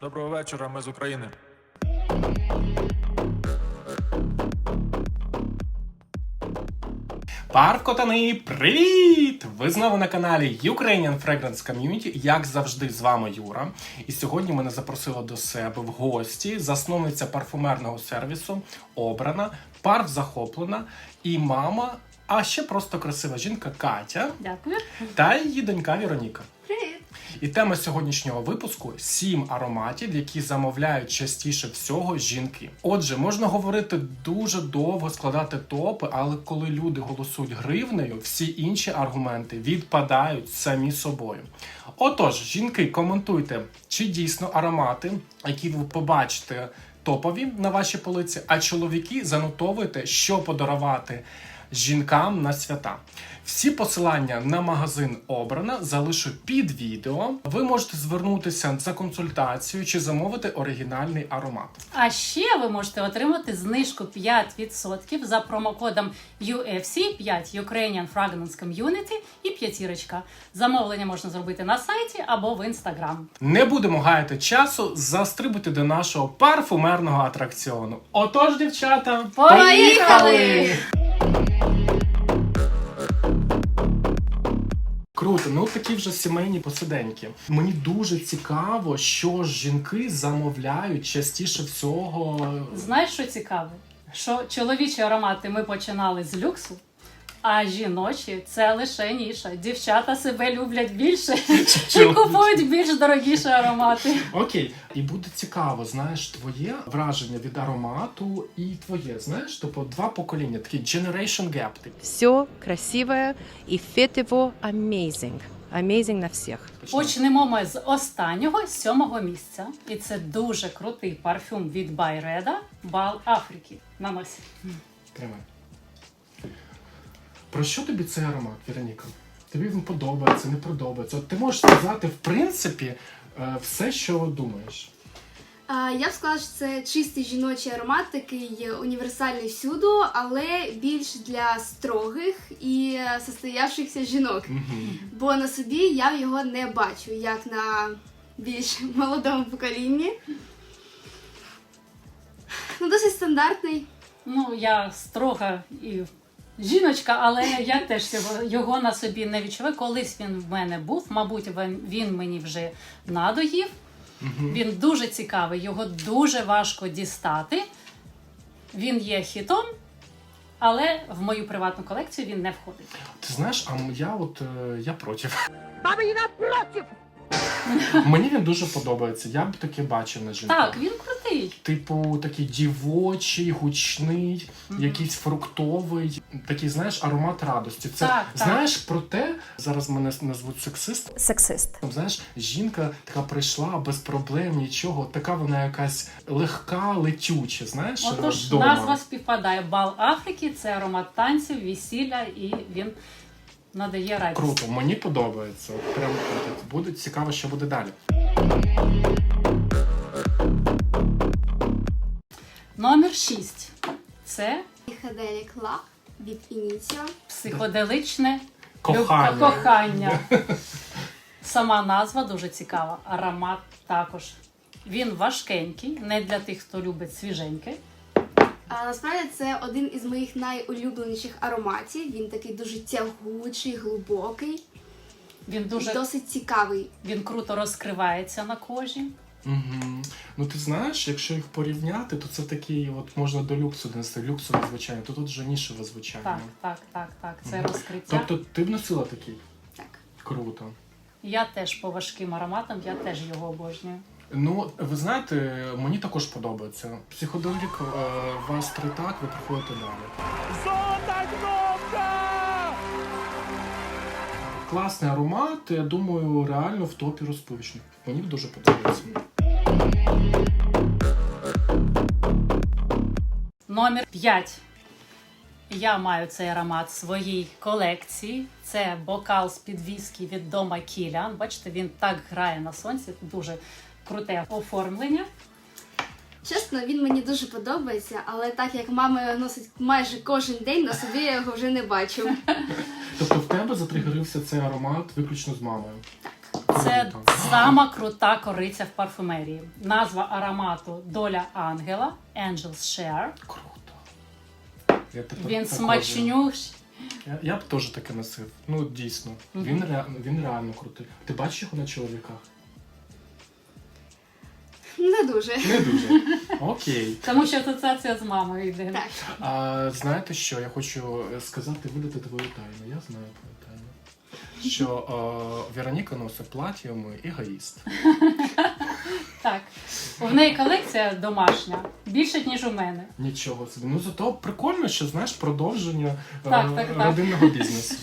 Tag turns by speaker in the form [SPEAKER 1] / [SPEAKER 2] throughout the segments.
[SPEAKER 1] Доброго вечора, ми з України.
[SPEAKER 2] Паркотани, привіт! Ви знову на каналі Ukrainian Fragrance Community, як завжди, з вами Юра. І сьогодні мене запросила до себе в гості засновниця парфумерного сервісу Обрана, парф захоплена і мама, а ще просто красива жінка Катя.
[SPEAKER 3] Дякую.
[SPEAKER 2] Та її донька Вероніка.
[SPEAKER 3] Привіт.
[SPEAKER 2] І тема сьогоднішнього випуску – 7 ароматів, які замовляють частіше всього жінки. Отже, можна говорити дуже довго, складати топи, але коли люди голосують гривнею, всі інші аргументи відпадають самі собою. Отож, жінки, коментуйте, чи дійсно аромати, які ви побачите топові на вашій полиці, а чоловіки занотовуйте, що подарувати жінкам на свята. Всі посилання на магазин Обрана залишу під відео. Ви можете звернутися за консультацією чи замовити оригінальний аромат.
[SPEAKER 3] А ще ви можете отримати знижку 5% за промокодом UFC 5 Ukrainian Fragrance Community і п'ятірочка. Замовлення можна зробити на сайті або в Інстаграм.
[SPEAKER 2] Не будемо гаяти часу, застрибуйте до нашого парфумерного атракціону. Отож, дівчата,
[SPEAKER 3] Поїхали!
[SPEAKER 2] Круто, ну такі вже сімейні посиденьки. Мені дуже цікаво, що ж жінки замовляють частіше всього.
[SPEAKER 3] Знаєш, що цікаве? Що чоловічі аромати ми починали з люксу, а жіночі – це лише ніша. Дівчата себе люблять більше і купують більш дорогіші аромати.
[SPEAKER 2] Окей, і буде цікаво, знаєш, твоє враження від аромату і твоє, знаєш, тобто два покоління, такий generation gap.
[SPEAKER 4] Все красивое и фет его amazing. Amazing на всех.
[SPEAKER 3] Почнемо ми з останнього, 7-го місця. І це дуже крутий парфюм від Байреда Бал Африки. Нанось.
[SPEAKER 2] Тримай. Про що тобі цей аромат, Вероніка? Тобі він подобається, не подобається? От ти можеш сказати, в принципі, все, що думаєш.
[SPEAKER 5] Я б сказала, що це чистий жіночий аромат, такий універсальний всюду, але більш для строгих і состоявшихся жінок. Бо на собі я його не бачу, як на більш молодому поколінні. Ну, досить стандартний.
[SPEAKER 3] Ну, я строга і жіночка, але я теж його на собі не відчуваю. Колись він в мене був, мабуть, він мені вже надоїв. Він дуже цікавий, його дуже важко дістати. Він є хітом, але в мою приватну колекцію він не входить.
[SPEAKER 2] Ти знаєш, я проти. Баба, я проти! Мені він дуже подобається, я б таке бачив на жінках.
[SPEAKER 3] Так, він крутий.
[SPEAKER 2] Типу, такий дівочий, гучний, якийсь фруктовий, такий, знаєш, аромат радості. Це,
[SPEAKER 3] Так.
[SPEAKER 2] знаєш, про те, зараз мене назвуть сексист.
[SPEAKER 4] Сексист.
[SPEAKER 2] Знаєш, жінка така прийшла без проблем, нічого, така вона якась легка, летюча, знаєш,
[SPEAKER 3] Отож,
[SPEAKER 2] вдома.
[SPEAKER 3] назва співпадає. Бал Африки – це аромат танців, весілля, і він надає радість.
[SPEAKER 2] Круто, мені подобається. От прям круто. Буде цікаво, що буде далі.
[SPEAKER 3] Номер 6. Це
[SPEAKER 5] Psychedelic Love від Initio.
[SPEAKER 3] психоделичне
[SPEAKER 2] Кохання.
[SPEAKER 3] кохання. Сама назва дуже цікава. Аромат також. Він важкенький, не для тих, хто любить свіженьке.
[SPEAKER 5] А насправді це один із моїх найулюбленіших ароматів. Він такий дуже тягучий, глибокий
[SPEAKER 3] Він
[SPEAKER 5] і
[SPEAKER 3] дуже
[SPEAKER 5] досить цікавий.
[SPEAKER 3] він круто розкривається на кожі.
[SPEAKER 2] Угу. Ну ти знаєш, якщо їх порівняти, то це такий, от можна до люксу донести, люксове звучання, то тут вже нішеве звучання.
[SPEAKER 3] Так. Це розкриття.
[SPEAKER 2] Тобто ти б носила такий?
[SPEAKER 5] Так.
[SPEAKER 2] Круто.
[SPEAKER 3] Я теж по важким ароматам, я теж його обожнюю.
[SPEAKER 2] Ну, ви знаєте, мені також подобається. Психоделік вас так, ви приходите далі.
[SPEAKER 1] Золота кнопка!
[SPEAKER 2] Класний аромат, я думаю, реально в топі розпивочних. Мені дуже подобається.
[SPEAKER 3] Номер 5. Я маю цей аромат в своїй колекції. Це бокал з-під віскі від Дома Кіліан. Бачите, він так грає на сонці. Дуже круте оформлення.
[SPEAKER 5] Чесно, він мені дуже подобається, але так як мама носить майже кожен день, на собі я його вже не бачу.
[SPEAKER 2] Тобто в тебе затригерився цей аромат виключно з мамою?
[SPEAKER 5] Так.
[SPEAKER 3] Це
[SPEAKER 2] Круто.
[SPEAKER 3] сама крута кориця в парфумерії. Назва аромату «Доля ангела» Angel's Share.
[SPEAKER 2] Круто. Я тепер
[SPEAKER 3] Він
[SPEAKER 2] також-
[SPEAKER 3] смачнющий.
[SPEAKER 2] Я б теж таке носив. Ну, дійсно. Він реально крутий. Ти бачиш його на чоловіках?
[SPEAKER 5] Не дуже.
[SPEAKER 2] Не дуже. Окей.
[SPEAKER 3] Тому що асоціація з мамою йде.
[SPEAKER 5] Так.
[SPEAKER 2] А знаєте що? Я хочу сказати, видати твою тайну. Я знаю твою тайну. Що Вероніка носить плаття, ми егоїст.
[SPEAKER 3] Так. У неї колекція домашня більше, ніж у мене.
[SPEAKER 2] Нічого собі. Ну зато прикольно, що знаєш продовження
[SPEAKER 3] Так.
[SPEAKER 2] родинного бізнесу.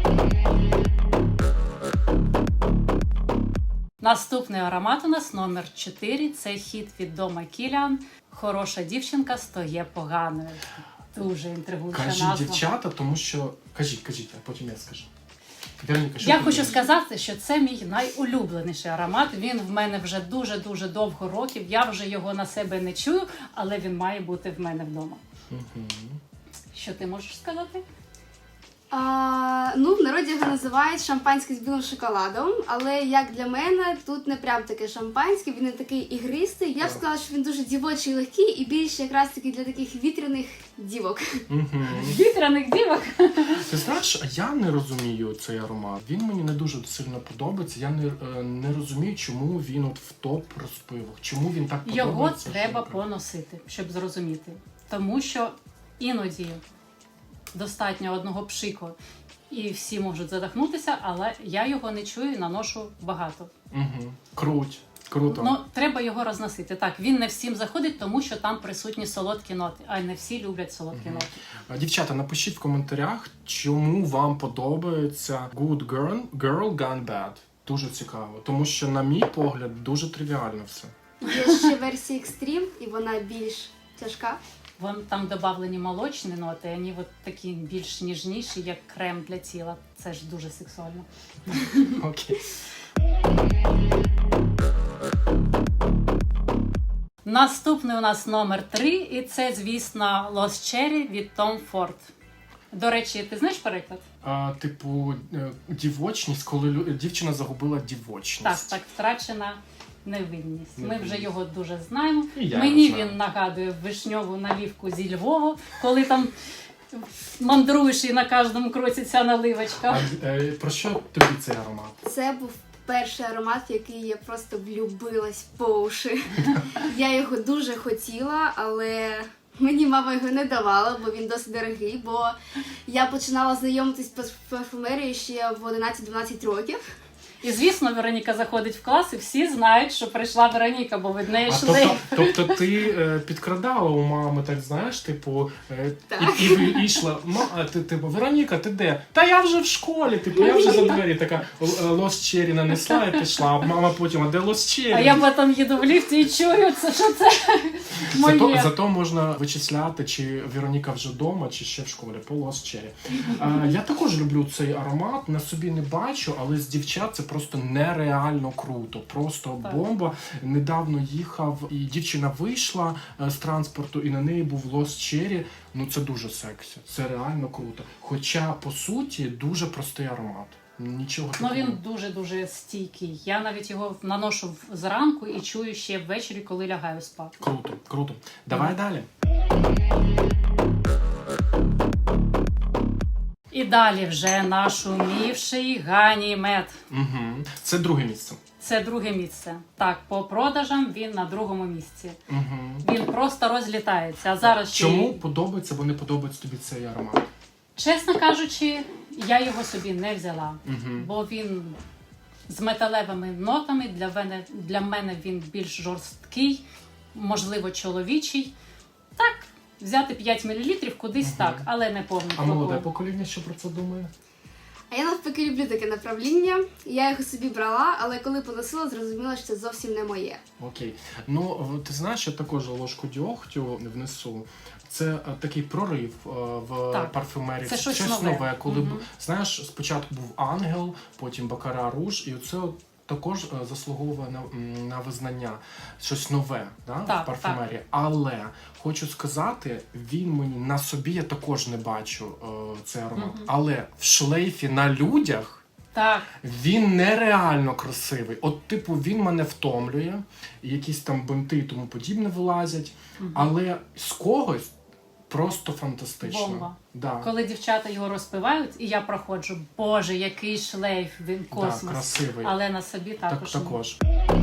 [SPEAKER 3] Наступний аромат у нас номер 4. Це хіт від Дома Кіліан. Хороша дівчинка стає поганою. Дуже інтригуюча
[SPEAKER 2] Кажіть,
[SPEAKER 3] назва.
[SPEAKER 2] дівчата, тому що. Кажіть, а потім я скажу. Вероніка, що
[SPEAKER 3] Я
[SPEAKER 2] ти
[SPEAKER 3] хочу
[SPEAKER 2] думаєш?
[SPEAKER 3] сказати, що це мій найулюбленіший аромат. Він в мене вже дуже довго років. Я вже його на себе не чую, але він має бути в мене вдома.
[SPEAKER 2] Мгм.
[SPEAKER 3] Що ти можеш сказати?
[SPEAKER 5] Ну, в народі його називають шампанське з білим шоколадом, але як для мене, тут не прям таке шампанське, він не такий ігристий. Я б сказала, що він дуже дівочий і легкий і більше якраз таки для таких вітряних дівок.
[SPEAKER 2] Мгм.
[SPEAKER 3] Вітряних дівок.
[SPEAKER 2] Ти знаєш, я не розумію цей аромат. Він мені не дуже сильно подобається. Я не розумію, чому він от в топ розпивах. Чому він так подобається?
[SPEAKER 3] Його треба
[SPEAKER 2] жінкам.
[SPEAKER 3] поносити, щоб зрозуміти. Тому що іноді достатньо одного пшику і всі можуть задихнутися, але я його не чую і наношу багато.
[SPEAKER 2] Мгм. Круто.
[SPEAKER 3] Ну, треба його розносити. Так, він не всім заходить, тому що там присутні солодкі ноти, а не всі люблять солодкі ноти.
[SPEAKER 2] Дівчата, напишіть в коментарях, чому вам подобається Good Girl Gone Bad. Дуже цікаво, тому що, на мій погляд, дуже тривіально все.
[SPEAKER 5] Є ще версія Extreme, і вона більш тяжка.
[SPEAKER 3] Вон там додавлені молочні ноти, вони от такі більш ніжніші, як крем для тіла. Це ж дуже сексуально.
[SPEAKER 2] Окей.
[SPEAKER 3] Наступний у нас номер 3, і це, звісно, Lost Cherry від Tom Ford. До речі, ти знаєш переклад?
[SPEAKER 2] Типу, дівочність, коли дівчина загубила дівочність.
[SPEAKER 3] Так, втрачена невинність. Ми вже його дуже знаємо.
[SPEAKER 2] І я
[SPEAKER 3] Мені
[SPEAKER 2] його знаю.
[SPEAKER 3] він нагадує вишньову наливку зі Львова, коли там мандруєш і на кожному кроці ця наливочка.
[SPEAKER 2] Про що тобі цей аромат?
[SPEAKER 5] Це був перший аромат, в який я просто влюбилась по уші. Я його дуже хотіла, але мені мама його не давала, бо він досить дорогий, бо я починала знайомитись з парфумерією ще в 11-12 років.
[SPEAKER 3] І, звісно, Вероніка заходить в клас, і всі знають, що прийшла Вероніка, бо від неї йшли.
[SPEAKER 2] Тобто ти підкрадала у мами, так знаєш, типу,
[SPEAKER 5] Так.
[SPEAKER 2] і йшла, ти, типу, Вероніка, ти де? Та я вже в школі, типу, я вже за двері така Lost Cherry нанесла і пішла, а мама потім, а де Lost Cherry?
[SPEAKER 3] А я потім їду в ліфті і чую, що це моє.
[SPEAKER 2] Зато можна вичисляти, чи Вероніка вже вдома, чи ще в школі, по Lost Cherry. Я також люблю цей аромат, на собі не бачу, але з дівчат це просто нереально круто, просто
[SPEAKER 3] Так.
[SPEAKER 2] бомба. Недавно їхав, і дівчина вийшла з транспорту, і на неї був Lost Cherry. Ну це дуже сексі, це реально круто. Хоча, по суті, дуже простий аромат. Нічого
[SPEAKER 3] Ну
[SPEAKER 2] такого.
[SPEAKER 3] він дуже стійкий. Я навіть його наношу зранку і чую ще ввечері, коли лягаю спати.
[SPEAKER 2] Круто. Давай далі.
[SPEAKER 3] І далі вже наш умівший Ганімед.
[SPEAKER 2] Угу. Це друге місце.
[SPEAKER 3] Це друге місце. Так, по продажам він на другому місці.
[SPEAKER 2] Угу.
[SPEAKER 3] Він просто розлітається. А зараз ще й-
[SPEAKER 2] Чому подобається або не подобається тобі цей аромат?
[SPEAKER 3] Чесно кажучи, я його собі не взяла,
[SPEAKER 2] Угу.
[SPEAKER 3] бо він з металевими нотами, для мене він більш жорсткий, можливо, чоловічий. Так, взяти 5 мл кудись так, але не повний
[SPEAKER 2] А молоде
[SPEAKER 3] флакон.
[SPEAKER 2] покоління що про це думає?
[SPEAKER 5] А я навпаки люблю таке направління. Я його собі брала, але коли поносила, зрозуміла, що це зовсім не моє.
[SPEAKER 2] Окей. Ну, ти знаєш, я також ложку дьогтю внесу. Це такий прорив в
[SPEAKER 3] Так.
[SPEAKER 2] парфюмерії.
[SPEAKER 3] Це щось нове.
[SPEAKER 2] Коли,
[SPEAKER 3] Мгм.
[SPEAKER 2] знаєш, спочатку був Ангел, потім Бакара Руж, і оце от також заслуговує на визнання. Щось нове, да,
[SPEAKER 3] Так,
[SPEAKER 2] в парфюмерії. Але хочу сказати, він мені на собі я також не бачу цей аромат.
[SPEAKER 3] Мгм.
[SPEAKER 2] Але в шлейфі на людях
[SPEAKER 3] Так.
[SPEAKER 2] Він нереально красивий. От, типу, він мене втомлює, якісь там бинти і тому подібне вилазять, але з когось просто фантастично.
[SPEAKER 3] Бомба.
[SPEAKER 2] Да.
[SPEAKER 3] Коли дівчата його розпивають, і я проходжу, боже, який шлейф, він космос.
[SPEAKER 2] Да, красивий.
[SPEAKER 3] Але на собі також.
[SPEAKER 2] Також.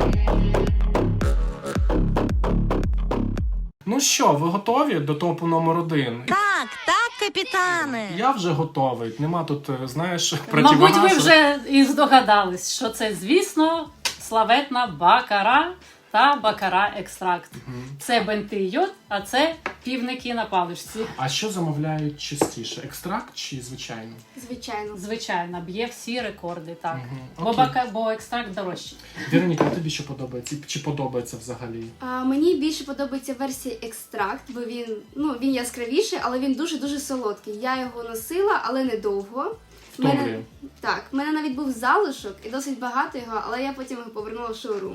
[SPEAKER 2] Ну що, ви готові до топу номер 1?
[SPEAKER 6] Так, капітане.
[SPEAKER 2] Я вже готовий. Нема тут, знаєш,
[SPEAKER 3] Мабуть,
[SPEAKER 2] противогазу.
[SPEAKER 3] ви вже і здогадались, що це, звісно, славетна бакара та бакара екстракт. Це бенти йод, а це півники на паличці.
[SPEAKER 2] А що замовляють частіше? Екстракт чи звичайно?
[SPEAKER 5] Звичайно.
[SPEAKER 3] Звичайно, б'є всі рекорди, так.
[SPEAKER 2] Окей.
[SPEAKER 3] Бо екстракт дорожчий.
[SPEAKER 2] Вероніка, а тобі що подобається? Чи подобається взагалі?
[SPEAKER 5] Мені більше подобається версія екстракт, бо він яскравіший, але він дуже-дуже солодкий. Я його носила, але недовго.
[SPEAKER 2] Втомлює.
[SPEAKER 5] Так, в мене навіть був залишок і досить багато його, але я потім його повернула в шоурум.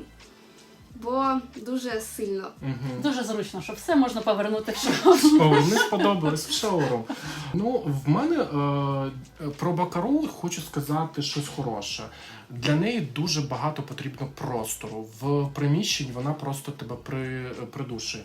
[SPEAKER 5] Бо дуже сильно.
[SPEAKER 3] Дуже зручно, що все можна повернути в шоу.
[SPEAKER 2] О, мені сподобалось в шоурум. Ну, в мене про бакару хочу сказати щось хороше. Для неї дуже багато потрібно простору. В приміщенні вона просто тебе придушує.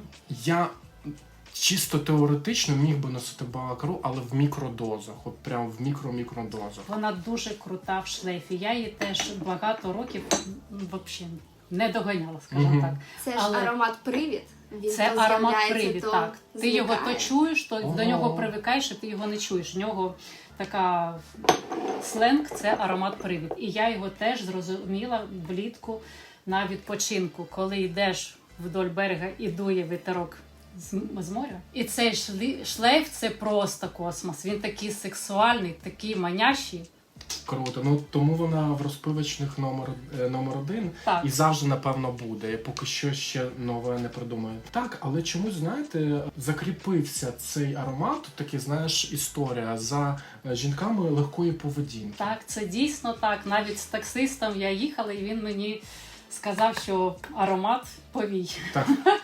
[SPEAKER 2] Я чисто теоретично міг би носити бакару, але в мікродозах. От прям в мікро-мікродозах.
[SPEAKER 3] Вона дуже крута в шлейфі. Я її теж багато років взагалі не доганяла, скажімо так.
[SPEAKER 5] Це ж
[SPEAKER 3] Але
[SPEAKER 5] аромат-привід. Він
[SPEAKER 3] це
[SPEAKER 5] то
[SPEAKER 3] аромат
[SPEAKER 5] з'являється,
[SPEAKER 3] привід,
[SPEAKER 5] то
[SPEAKER 3] так. Ти його то
[SPEAKER 5] зникає.
[SPEAKER 3] чуєш, то до нього
[SPEAKER 2] Ого.
[SPEAKER 3] привикаєш, і ти його не чуєш. В нього така сленг, це аромат привід. І я його теж зрозуміла влітку на відпочинку, коли йдеш вдоль берега і дує вітерок з моря. І цей шлейф це просто космос. Він такий сексуальний, такий манящий.
[SPEAKER 2] Круто. Ну тому вона в розпивочних номер 1
[SPEAKER 3] Так.
[SPEAKER 2] і завжди, напевно, буде. Я поки що ще нове не придумаю. Так, але чомусь, знаєте, закріпився цей аромат, такий, знаєш, історія за жінками легкої поведінки.
[SPEAKER 3] Так, це дійсно так. Навіть з таксистом я їхала, і він мені сказав, що аромат повій.
[SPEAKER 2] Так.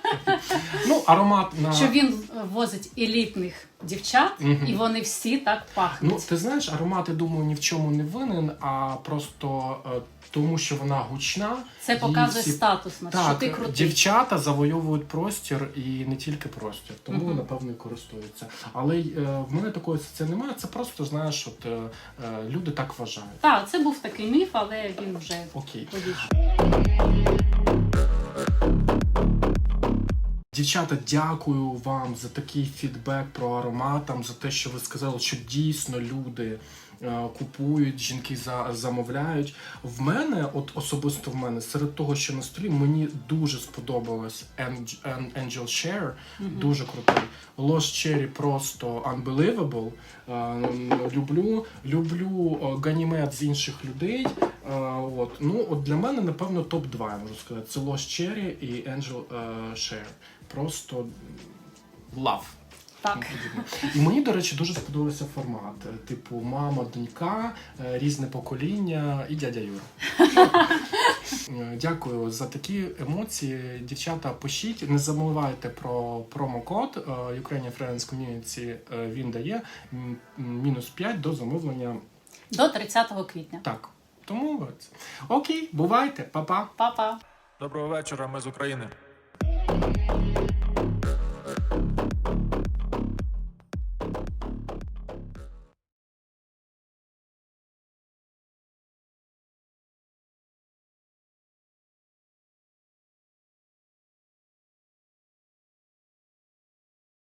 [SPEAKER 2] Ну, аромат на...
[SPEAKER 3] Що він возить елітних дівчат, і вони всі так
[SPEAKER 2] Ну,
[SPEAKER 3] пахнуть.
[SPEAKER 2] ти знаєш, аромат, я думаю, ні в чому не винен, а просто тому, що вона гучна.
[SPEAKER 3] Це
[SPEAKER 2] її
[SPEAKER 3] показує
[SPEAKER 2] всі-
[SPEAKER 3] статусність, що
[SPEAKER 2] Так,
[SPEAKER 3] ти крутий.
[SPEAKER 2] дівчата завойовують простір і не тільки простір, тому, напевно, і користуються. Але в мене такої це немає, це просто, знаєш, от люди так вважають.
[SPEAKER 3] Так, це був такий міф, але він вже
[SPEAKER 2] Окей.
[SPEAKER 3] повійшов.
[SPEAKER 2] Дівчата, дякую вам за такий фідбек про аромат, за те, що ви сказали, що дійсно люди купують, жінки замовляють. В мене, от особисто в мене, серед того, що на столі, мені дуже сподобалось Angel Share, дуже крутий. Lost Cherry просто unbelievable. Люблю Ганімед з інших людей. От для мене, напевно, топ-2, я можу сказати. Це Lost Cherry і Angel Share. Просто love.
[SPEAKER 3] Так.
[SPEAKER 2] І мені, до речі, дуже сподобався формат. Типу, мама, донька, різне покоління і дядя Юра. Дякую за такі емоції. Дівчата, пишіть, не забувайте про промокод Ukrainian Friends Community. Він дає -5 до замовлення.
[SPEAKER 3] До 30 квітня.
[SPEAKER 2] Так, тому окей, бувайте, па-па.
[SPEAKER 3] Па-па.
[SPEAKER 1] Доброго вечора, ми з України.